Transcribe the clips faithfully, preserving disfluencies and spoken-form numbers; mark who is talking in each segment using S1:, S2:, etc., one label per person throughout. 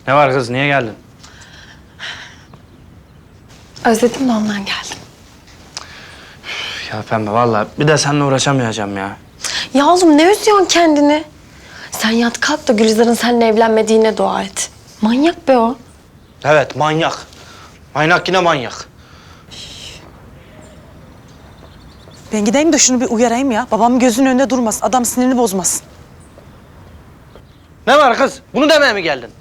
S1: Ne var kız, niye geldin?
S2: Özledim de ondan geldim.
S1: Ya Pembe vallahi bir de seninle uğraşamayacağım ya.
S2: Ya oğlum ne üzüyorsun kendini? Sen yat kalk da Gülizar'ın seninle evlenmediğine dua et. Manyak be o.
S1: Evet, manyak. Manyak yine manyak.
S3: Ben gideyim de şunu bir uyarayım ya. Babamın gözünün önünde durmaz. Adam sinirini bozmasın.
S1: Ne var kız? Bunu demeye mi geldin?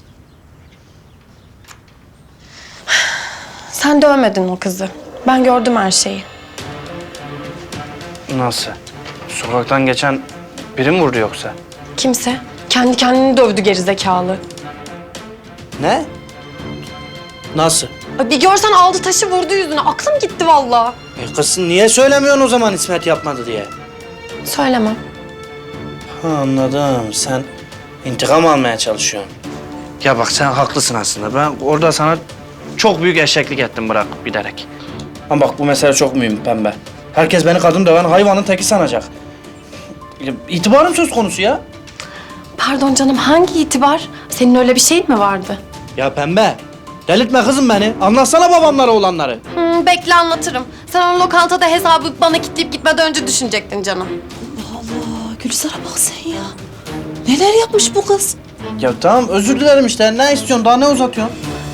S2: Sen dövmedin o kızı. Ben gördüm her şeyi.
S1: Nasıl? Sokaktan geçen biri mi vurdu yoksa?
S2: Kimse. Kendi kendini dövdü gerizekalı.
S1: Ne? Nasıl?
S2: Ay bir görsen aldı taşı vurdu yüzüne. Aklım gitti vallahi.
S1: E kız niye söylemiyorsun o zaman İsmet yapmadı diye?
S2: Söylemem.
S1: Ha, anladım. Sen intikam almaya çalışıyorsun. Ya bak sen haklısın aslında. Ben orada sana çok büyük eşeklik ettim bırak bilerek. Ama bak bu mesele çok mühim Pembe. Herkes beni kadın döven hayvanın teki sanacak. Ya, İtibarım söz konusu ya.
S2: Pardon canım hangi itibar? Senin öyle bir şeyin mi vardı?
S1: Ya Pembe, delirtme kızım beni. Anlatsana babamlara olanları.
S2: Hmm, bekle anlatırım. Sen onu lokantada hesabı bana kilitleyip gitmeden önce düşünecektin canım.
S3: Allah Gülizar'a bak sen ya. Neler yapmış bu kız?
S1: Ya tamam özür dilerim işte. Ne istiyorsun? Daha ne uzatıyorsun?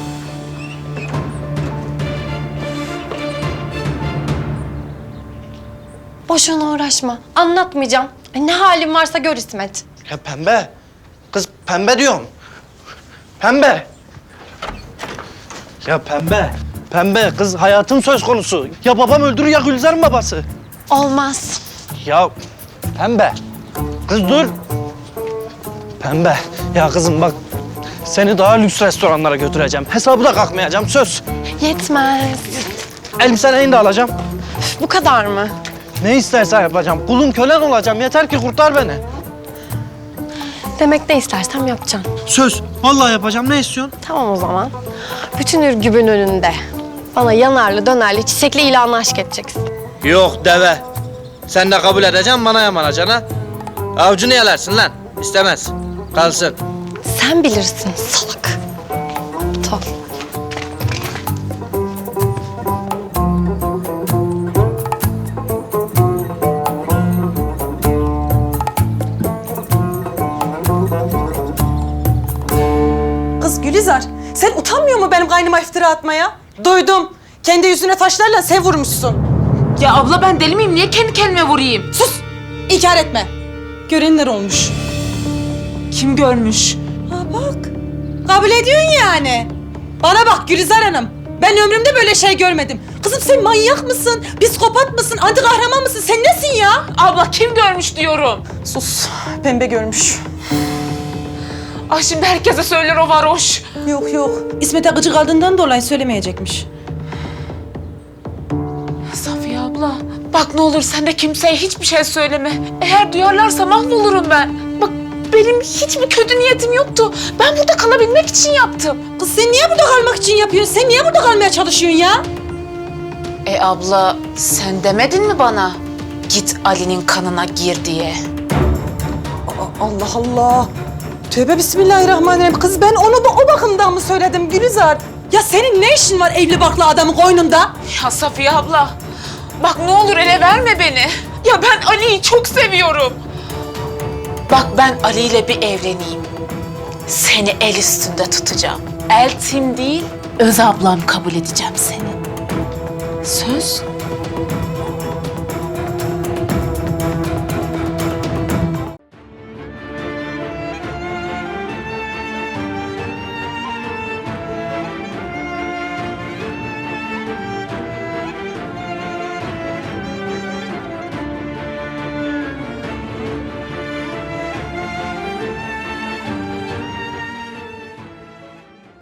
S2: Boşuna uğraşma. Anlatmayacağım. Ay, ne halin varsa gör İsmet.
S1: Ya Pembe. Kız Pembe diyorum. Pembe. Ya Pembe. Pembe kız hayatım söz konusu. Ya babam öldürür ya Gülizar'ın babası.
S2: Olmaz.
S1: Ya Pembe. Kız dur. Pembe. Ya kızım bak. Seni daha lüks restoranlara götüreceğim. Hesabı da kalkmayacağım söz.
S2: Yetmez.
S1: Elbiselerini de alacağım.
S2: Üf, bu kadar mı?
S1: Ne istersen yapacağım. Kulun kölen olacağım. Yeter ki kurtar beni.
S2: Demek ne istersem yapacağım.
S1: Söz. Vallahi yapacağım. Ne istiyorsun?
S2: Tamam o zaman. Bütün ürgübün önünde. Bana yanarlı dönerli çiçekli ilanla aşk edeceksin.
S1: Yok deve. Sen de kabul edeceksin bana yamanacaksın ha. Avcunu yalarsun lan. İstemez. Kalsın.
S2: Sen bilirsin salak. Aptal.
S3: Kız Gülizar, sen utanmıyor mu benim kaynıma iftira atmaya? Duydum. Kendi yüzüne taşlarla sen vurmuşsun.
S4: Ya abla ben deli miyim? Niye kendi kendime vurayım?
S3: Sus! İnkar etme. Görenler olmuş.
S4: Kim görmüş?
S3: Ha bak. Kabul ediyorsun yani. Bana bak Gülizar Hanım. Ben ömrümde böyle şey görmedim. Kızım sen manyak mısın? Psikopat mısın? Anti kahraman mısın? Sen nesin ya?
S4: Abla kim görmüş diyorum.
S3: Sus. Pembe görmüş.
S4: Ah şimdi herkese söyler o varoş.
S3: Yok yok. İsmet'e gıcık aldığından dolayı söylemeyecekmiş.
S4: Safiye abla bak ne olur sen de kimseye hiçbir şey söyleme. Eğer duyarlarsa mahvolurum ben. Bak benim hiçbir kötü niyetim yoktu. Ben burada kalabilmek için yaptım.
S3: Kız sen niye burada kalmak için yapıyorsun? Sen niye burada kalmaya çalışıyorsun ya?
S4: E abla sen demedin mi bana? Git Ali'nin kanına gir diye.
S3: Aa, Allah Allah. Tövbe bismillahirrahmanirrahim. Kız ben onu da o bakımdan mı söyledim Gülizar? Ya senin ne işin var evli barklı adamın koynunda?
S4: Ya Safiye abla bak ne olur ele verme beni. Ya ben Ali'yi çok seviyorum. Bak ben Ali ile bir evleneyim. Seni el üstünde tutacağım. Eltim değil, öz ablam kabul edeceğim seni. Söz.